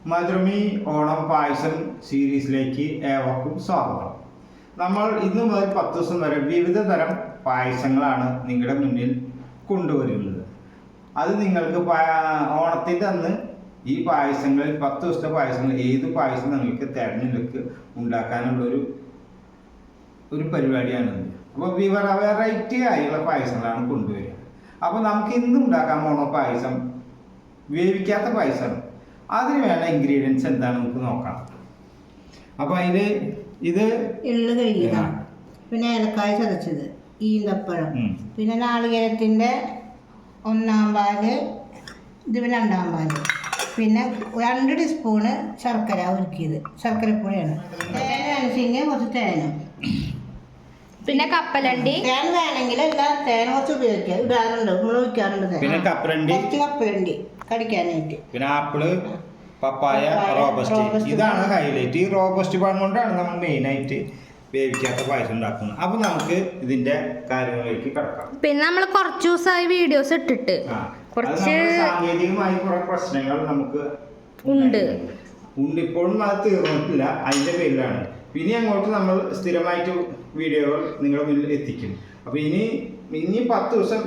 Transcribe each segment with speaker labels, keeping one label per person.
Speaker 1: മധുരമി ഓണം പായസം സീരീസിലേക്ക് ഏവർക്കും സ്വാഗതം. നമ്മൾ ഇന്ന് മുതൽ 10 ദിവസം വരെ വിവിധ തരം പായസങ്ങളാണ് നിങ്ങളുടെ മുന്നിൽ കൊണ്ടുവരുന്നത്. അത് നിങ്ങൾക്ക് ഓണത്തിൻ്റെ അന്ന് ഈ പായസങ്ങളിൽ 10 ദിവസത്തെ പായസങ്ങൾ ഏത് പായസം നിങ്ങൾക്ക് തിരഞ്ഞെടുത്ത് ഉണ്ടാക്കാനുള്ളൊരു പരിപാടിയാണിത്. അപ്പോൾ വെറൈറ്റി ആയുള്ള പായസങ്ങളാണ് കൊണ്ടുവരിക. അപ്പോൾ നമുക്ക് ഇന്ന് ഉണ്ടാക്കാൻ പോണ പായസം വേവിക്കാത്ത പായസം. അതിന് വേണ്ട ഇൻഗ്രീഡിയൻസ് എന്താണ് നമുക്ക് നോക്കാം. അപ്പോൾ അതിൽ ഇത്
Speaker 2: എള്ള് കഴുകിയത, പിന്നെ ഏലക്കായ ചതച്ചത്, ഈന്തപ്പഴം, പിന്നെ നാളികേരത്തിൻ്റെ 1 പാല്, ഇത് 2 പാല്, പിന്നെ 2 ടീസ്പൂണ് ശർക്കര ഉരുക്കിയത്, ശർക്കരപ്പൊടിയാണ്. തേൻ വേണമെങ്കിൽ കുറച്ച് തേനും,
Speaker 3: പിന്നെ കപ്പലണ്ടി.
Speaker 2: തേൻ വേണമെങ്കിൽ തേൻ കുറച്ച് ഉപയോഗിക്കുക, ഇടാറുണ്ട്, നമ്മൾ ഒഴിക്കാറുണ്ട്.
Speaker 1: പിന്നെ
Speaker 2: കപ്പലണ്ടി കടിക്കാനായിട്ട്.
Speaker 1: പിന്നെ ആപ്പിള്, പപ്പായ, റോബസ്റ്റ്. ഇതാണ് ഹൈലൈറ്റ്. ഈ റോബസ്റ്റ് പഴം കൊണ്ടാണ് നമ്മൾ മെയിനായിട്ട് വേവിക്കാത്ത പായസം ഉണ്ടാക്കുന്നത്. അപ്പൊ നമുക്ക് ഇതിന്റെ കാര്യങ്ങളിലേക്ക് കിടക്കാം.
Speaker 3: പിന്നെ നമ്മൾ കുറച്ച് ദിവസമായി വീഡിയോസ് ഇട്ടിട്ട് കുറച്ച്
Speaker 1: സാങ്കേതികമായി കുറെ പ്രശ്നങ്ങൾ നമുക്ക് ഉണ്ട്. ഇപ്പോഴും അത് തീർന്നിട്ടില്ല. അതിന്റെ പേരിലാണ്. പിന്നെ അങ്ങോട്ട് നമ്മൾ സ്ഥിരമായിട്ട് വീഡിയോകൾ നിങ്ങളുടെ മുന്നിൽ എത്തിക്കും. അപ്പൊ ഇനി 10 ദിവസം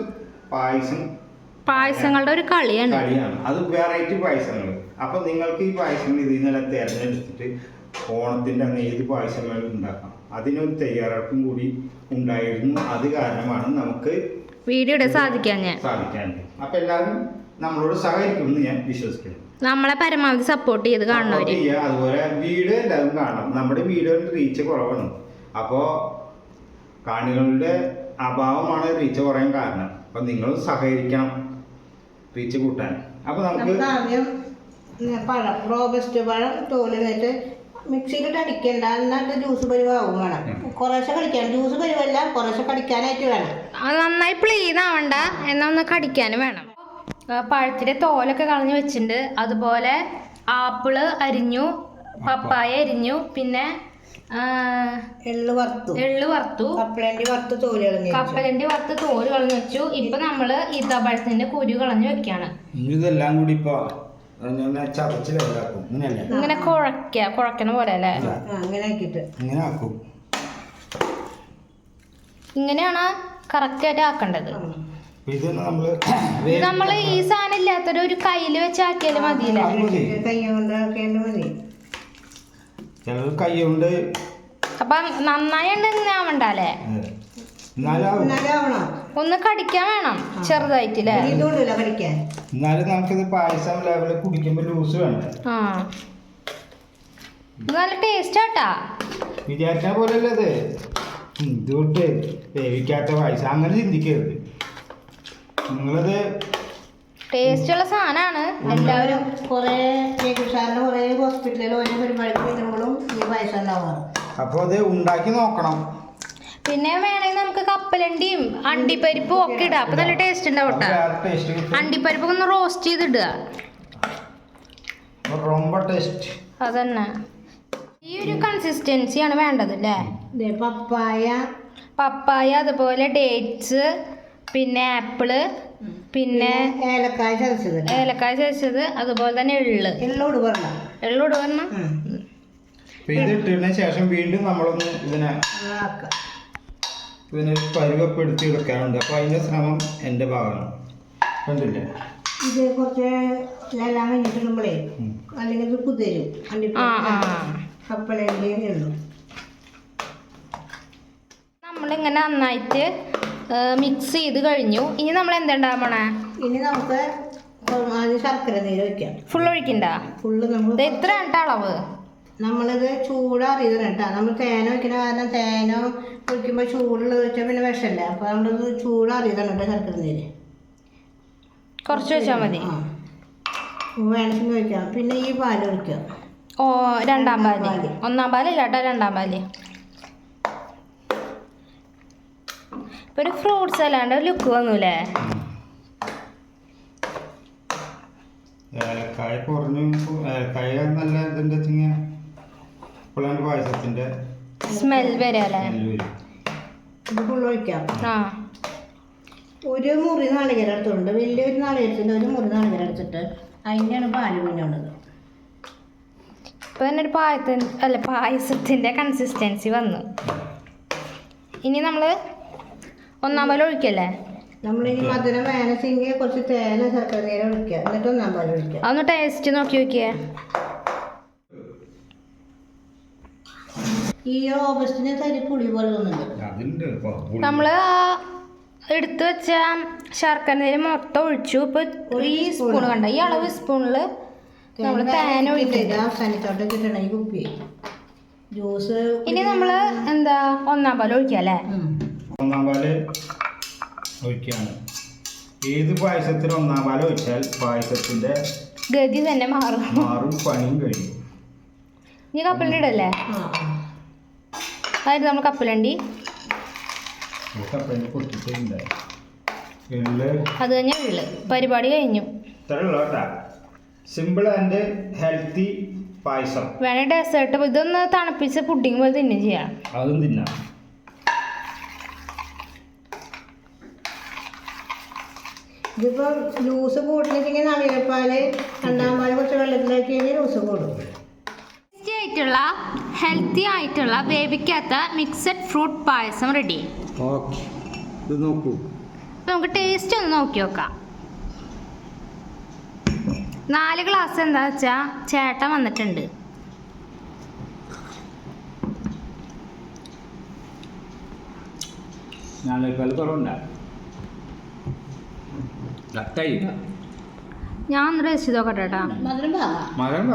Speaker 3: പായസങ്ങളുടെ ഒരു കളിയാണ്.
Speaker 1: അത് വെറൈറ്റി പായസങ്ങൾ. അപ്പൊ നിങ്ങൾക്ക് ഈ പായസങ്ങൾ ഇതിൽ നിന്നെല്ലാം തിരഞ്ഞെടുത്തിട്ട് ഓണത്തിന്റെ അന്ന് ഏത് പായസങ്ങൾ ഉണ്ടാക്കാം, അതിനൊരു തയ്യാറെടുപ്പും കൂടി ഉണ്ടായിരുന്നു. അത് കാരണമാണ് നമുക്ക്
Speaker 3: വീഡിയോ സാധിക്കാൻ.
Speaker 1: അപ്പൊ എല്ലാവരും നമ്മളോട് സഹകരിക്കുമെന്ന് ഞാൻ വിശ്വസിക്കുന്നു.
Speaker 3: നമ്മളെ പരമാവധി സപ്പോർട്ട് ചെയ്ത് കാണുന്നവര്.
Speaker 1: അതുപോലെ വീഡിയോ എല്ലാവരും കാണണം. നമ്മുടെ വീഡിയോയുടെ റീച്ച് കുറവാണ്. അപ്പോൾ കാണികളുടെ അഭാവമാണ് റീച്ച് കുറയാൻ കാരണം. അപ്പം നിങ്ങൾ സഹകരിക്കണം റീച്ച് കൂട്ടാൻ. അപ്പോൾ നമുക്ക്
Speaker 2: ആദ്യം പഴം, റോബസ്റ്റ് പഴം തോലിട്ട് മിക്സിയിലിട്ട് അടിക്കണ്ട, എന്നിട്ട് ജ്യൂസ് പരിവാകും വേണം. കുറേശ്ശെ കടിക്കാൻ, ജ്യൂസ് പരിവല്ല, കുറേശ്ശെ കടിക്കാനായിട്ട് വേണം.
Speaker 3: അത് നന്നായി പ്ലീൻ ആവണ്ട, എന്നാ ഒന്ന് കടിക്കാനും വേണം. പഴത്തിന്റെ തോലൊക്കെ കളഞ്ഞു വെച്ചിട്ടുണ്ട്. അതുപോലെ ആപ്പിള് അരിഞ്ഞു, പപ്പായ അരിഞ്ഞു, പിന്നെ
Speaker 2: എള്ള് വറുത്തു, കപ്പലണ്ടി വറുത്ത് തോല് കളഞ്ഞു വെച്ചു.
Speaker 3: ഇപ്പൊ നമ്മള് ഈത്തപ്പഴത്തിന്റെ കുരു കളഞ്ഞു വെക്കാണ്.
Speaker 1: ഇതെല്ലാം കൂടി ഇപ്പൊ
Speaker 3: ഇങ്ങനെ കുഴക്കണ പോലെ അല്ലേ? ഇങ്ങനെയാണ് കറക്റ്റ് ആയിട്ട് ആക്കേണ്ടത്.
Speaker 1: ഇത്
Speaker 3: നമ്മള് ഈ സാധനം ഇല്ലാത്തൊരു ഒരു കയ്യില് വെച്ച് ആക്കിയാലും മതിയില്ലേ?
Speaker 1: കൈ കൊണ്ട്.
Speaker 3: അപ്പൊ നന്നായി ആവണ്ടല്ലേ? ഒന്ന് കടിക്കാൻ വേണം ചെറുതായിട്ടില്ലേ?
Speaker 1: എന്നാലും നമുക്കിത് പായസം ലെവലിൽ കുടിക്കുമ്പോ ലൂസ് വേണ്ട.
Speaker 3: നല്ല ടേസ്റ്റ് ആട്ടാ.
Speaker 1: വിചാരിച്ച പോലെയല്ലേ ഇത്. ഇതുകൊണ്ട് വേവിക്കാത്ത പായസം അങ്ങനെ ചിന്തിക്കരുത്. നിങ്ങളത്
Speaker 3: ടേസ്റ്റ് ഉള്ള സാധനമാണ്.
Speaker 2: എല്ലാവരും കുറെ ഹോസ്പിറ്റലിൽ ഓരോ പരിപാടിക്ക് വരുമ്പോഴും ഈ പായസം ഉണ്ടാവാറ്.
Speaker 1: അപ്പൊ അത് ഉണ്ടാക്കി നോക്കണം.
Speaker 3: പിന്നെ വേണമെങ്കിൽ നമുക്ക് കപ്പലണ്ടിയും അണ്ടിപ്പരിപ്പും ഒക്കെ ഇടാം. അപ്പൊ നല്ല ടേസ്റ്റ് ഉണ്ടാവും. അണ്ടിപ്പരിപ്പ് ഒന്ന് റോസ്റ്റ് ചെയ്തിടുക. അതന്നെ ഈ ഒരു കൺസിസ്റ്റൻസിയാണ് വേണ്ടത് അല്ലേ? പപ്പായ, അതുപോലെ ഡേറ്റ്സ്, പിന്നെ ആപ്പിള്, പിന്നെ
Speaker 2: ഏലക്കായ
Speaker 3: ചതച്ചത്, അതുപോലെ തന്നെ എള്ളോട് പറഞ്ഞ
Speaker 1: ഇതിട്ടതിന് ശേഷം വീണ്ടും നമ്മളൊന്ന് ഇതിനെ പരുവപ്പെടുത്തി എടുക്കാറുണ്ട്. അപ്പൊ അതിന്റെ ശ്രമം എന്റെ ഭാഗമാണ്. കണ്ടില്ലേ?
Speaker 2: ഇത് കുറച്ച് എല്ലാം കഴിഞ്ഞിട്ടുമ്പോഴേ അല്ലെങ്കിൽ ഇത് കുതിരും. കപ്പലണ്ടി ഉള്ളു.
Speaker 3: നമ്മളിങ്ങനെ നന്നായിട്ട് മിക്സ് ചെയ്ത് കഴിഞ്ഞു. ഇനി നമ്മൾ എന്തുണ്ടാവണേ?
Speaker 2: ഇനി നമുക്ക് ശർക്കര നീര് വെക്കാം.
Speaker 3: ഫുൾ ഒഴിക്കണ്ട? നമ്മൾ എത്ര അളവ്?
Speaker 2: നമ്മളിത് ചൂടറിയതാണ് കേട്ടോ. നമ്മൾ തേന വെക്കുന്ന കാരണം തേന ഒഴിക്കുമ്പോൾ ചൂടുള്ളത് വെച്ചാൽ പിന്നെ വിഷമല്ലേ. അപ്പോൾ നമ്മളിത് ചൂടറിയതാണ് കേട്ടോ ശർക്കര നീര്.
Speaker 3: കുറച്ച് വെച്ചാൽ മതി.
Speaker 2: വേണമെങ്കിൽ വെക്കാം. പിന്നെ ഈ പാല് ഒഴിക്കാം.
Speaker 3: 2 പാല്. 1 പാലില്ല കേട്ടോ, 2 പാല്. ഇപ്പൊ ഒരു ഫ്രൂട്ട്സ് അല്ലാണ്ട് ലുക്ക് വന്നൂലേ?
Speaker 1: ഏലക്കായ കുറഞ്ഞു. ഏലക്കായ നല്ല ഇതിന്റെ പായസത്തിന്റെ
Speaker 3: സ്മെൽ വരാല്ലേ?
Speaker 2: ഇത് ഫുൾ ഒഴിക്കാം. ഒരു മുറി നാളികേരം എടുത്തുണ്ട്. വലിയൊരു നാളികേരത്തിൻ്റെ ഒരു മുറി നാളികേരം എടുത്തിട്ട് അതിൻ്റെയാണ് പാല് പിന്നുള്ളത്.
Speaker 3: ഇപ്പൊ തന്നെ ഒരു പായസത്തിന്റെ കൺസിസ്റ്റൻസി വന്നു. ഇനി നമ്മള് ഒന്നാം പാൽ ഒഴിക്കല്ലേ?
Speaker 2: നമ്മളിനി മധുരം വേണമെങ്കിൽ കുറച്ച് തേന ശർക്കര നീര് ഒഴിക്കുക, എന്നിട്ട് ഒന്നാം പാൽ ഒഴിക്കുക.
Speaker 3: അതൊന്ന് ടേസ്റ്റ് നോക്കി നോക്കിയേ.
Speaker 2: ഈ റോബസ്റ്റിന് തരി പുളി പോലെ തോന്നുന്നുണ്ട്.
Speaker 3: നമ്മള് എടുത്തു വെച്ച ശർക്കര നീര് മൊത്തം ഒഴിച്ചു. ഇപ്പൊ ഈ സ്പൂൺ കണ്ട, ഈ അളവ് സ്പൂണില് നമ്മള് തേന ഒഴിക്കുക.
Speaker 2: അവസാനിച്ചോട്ടെ കിട്ടണ ഈ കുപ്പി ജ്യൂസ്.
Speaker 3: ഇനി നമ്മള് എന്താ ഒന്നാം പാൽ ഒഴിക്കുക അല്ലേ?
Speaker 1: ഒന്നാം പാല് ഒഴിക്കുകയാണ്. ഏത് പായസത്തിന് ഒന്നാം പാൽ ഒഴിച്ചാൽ പായസത്തിന്റെ
Speaker 3: ഗതി തന്നെ മാറും,
Speaker 1: പണിയും കഴിയും.
Speaker 3: ഇനി കപ്പലണ്ടി ഇടല്ലേ? അതായത് നമ്മൾ കപ്പലണ്ടി അത് കഴിഞ്ഞ ഉള്ളു. പരിപാടി കഴിഞ്ഞു.
Speaker 1: സിമ്പിൾ ആൻഡ് ഹെൽത്തി പായസം.
Speaker 3: വേണേ ഡെസേർട്ട് ഇതൊന്ന് തണുപ്പിച്ച് പുഡിങ് പോലെ തിന്നും ചെയ്യാം.
Speaker 1: അതും തിന്നാം.
Speaker 2: ഇതിപ്പോ ജ്യൂസ് കൂട്ടില്ലെങ്കിൽ നാളികേരപ്പാല് രണ്ടാം പാല് കുറച്ച് വെള്ളത്തിലാക്കി കഴിഞ്ഞാൽ ജ്യൂസ് കൂടും.
Speaker 3: ടേസ്റ്റി ആയിട്ടുള്ള ഹെൽത്തി ആയിട്ടുള്ള വേവിക്കാത്ത മിക്സഡ് ഫ്രൂട്ട് പായസം റെഡി.
Speaker 1: ഇത് നോക്കൂ,
Speaker 3: നമുക്ക് ടേസ്റ്റ് ഒന്ന് നോക്കി നോക്കാം. 4 ഗ്ലാസ് എന്താ വെച്ചാ ചേട്ടൻ വന്നിട്ടുണ്ട്. ഞാൻ ഒന്ന് ടേസ്റ്റ് നോക്കട്ടെ കേട്ടാ.
Speaker 2: മധുരം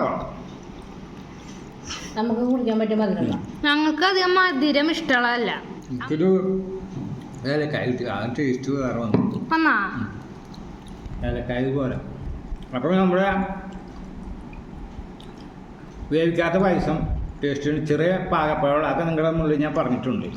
Speaker 2: നമുക്ക് കുടിക്കാൻ പറ്റിയ മധുരം.
Speaker 3: ഞങ്ങൾക്ക് അധികം മധുരം ഇഷ്ടമുള്ളതല്ല. വന്നാ
Speaker 1: പോലെ. അപ്പോൾ നമ്മുടെ വേവിക്കാത്ത പായസം ടേസ്റ്റിന് ചെറിയ പാകപ്പഴം അതൊക്കെ നിങ്ങളുടെ മുന്നിൽ ഞാൻ പറഞ്ഞിട്ടുണ്ട്.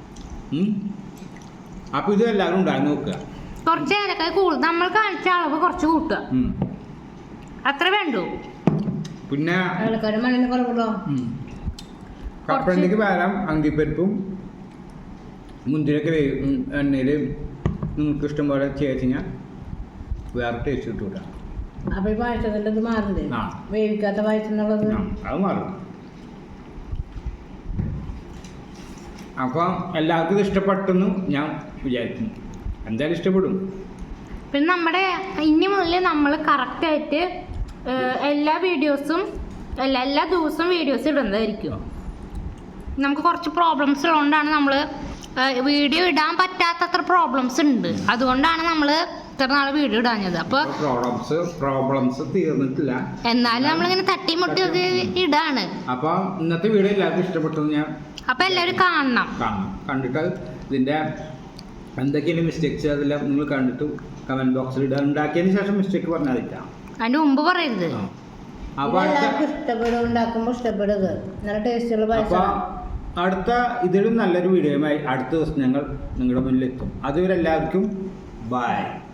Speaker 1: അപ്പോൾ ഇത് എല്ലാവരും ഉണ്ടാക്കി നോക്കുക.
Speaker 3: കുറച്ച് ഏലക്കായ കൂടുതൽ നമ്മൾ കാണിച്ച അളവ് കുറച്ച് കൂട്ടുക, അത്ര വേണ്ടു.
Speaker 1: പിന്നെ
Speaker 2: കുറവുണ്ടോ?
Speaker 1: കപ്പലണ്ടിക്ക് പകരം അങ്കിപ്പരിപ്പും മുന്തിരിയൊക്കെ എണ്ണയിൽ നിങ്ങൾക്ക് ഇഷ്ടം പോലെ ചേർത്ത് കഴിഞ്ഞാൽ വേറെ ടേസ്റ്റ് കിട്ടൂല.
Speaker 2: അപ്പൊ ഈ പായസത്തിന്റെ ഇത് മാറില്ലേ? വേവിക്കാത്ത പായസം എന്നുള്ളത്
Speaker 1: അത് മാറും. അപ്പം എല്ലാവർക്കും ഇത് ഇഷ്ടപ്പെട്ടെന്ന് ഞാൻ വിചാരിക്കുന്നു. എന്തായാലും ഇഷ്ടപ്പെടും.
Speaker 3: പിന്നെ നമ്മുടെ ഇനി മുതൽ നമ്മൾ കറക്റ്റായിട്ട് എല്ലാ വീഡിയോസും എല്ലാ ദിവസവും വീഡിയോസ് ഇടുന്നതായിരിക്കും. നമുക്ക് കുറച്ച് പ്രോബ്ലംസ് ഉള്ളതുകൊണ്ടാണ് നമ്മൾ വീഡിയോ ഇടാൻ പറ്റാത്തത്ര പ്രോബ്ലംസ് ഉണ്ട്. അതുകൊണ്ടാണ് നമ്മൾ ഇത്ര നാൾ വീഡിയോ ഇടാഞ്ഞത്. അപ്പോൾ
Speaker 1: പ്രോബ്ലംസ് തീർന്നിട്ടില്ല,
Speaker 3: എന്നാലും നമ്മളിങ്ങനെ തട്ടിമുട്ടി ഇടാണ്.
Speaker 1: അപ്പോൾ ഇന്നത്തെ വീഡിയോ എല്ലാവർക്കും ഇഷ്ടപ്പെട്ടെന്ന് ഞാൻ
Speaker 3: അപ്പോൾ എല്ലാവരും കാണണം.
Speaker 1: കണ്ടിട്ട് ഇതിൻ്റെ എന്തൊക്കെയാണ് മിസ്റ്റേക്സ് അതെല്ലാം നിങ്ങൾ കണ്ടിട്ട് കമൻറ്റ് ബോക്സിൽ ഇടുക. ഉണ്ടാക്കിയതിന് ശേഷം മിസ്റ്റേക്ക് പറഞ്ഞാൽ മതിക്കാം,
Speaker 3: അതിൻ്റെ മുമ്പ് പറയരുത്.
Speaker 2: ഇഷ്ടപ്പെടും, ഉണ്ടാക്കുമ്പോൾ ഇഷ്ടപ്പെടുക. നല്ല ടേസ്റ്റുള്ള പായസം.
Speaker 1: അടുത്ത ഇതിലും നല്ലൊരു വീഡിയോയുമായി അടുത്ത ദിവസം ഞങ്ങൾ നിങ്ങളുടെ മുന്നിലെത്തും. അതുവരെ എല്ലാവർക്കും ബൈ.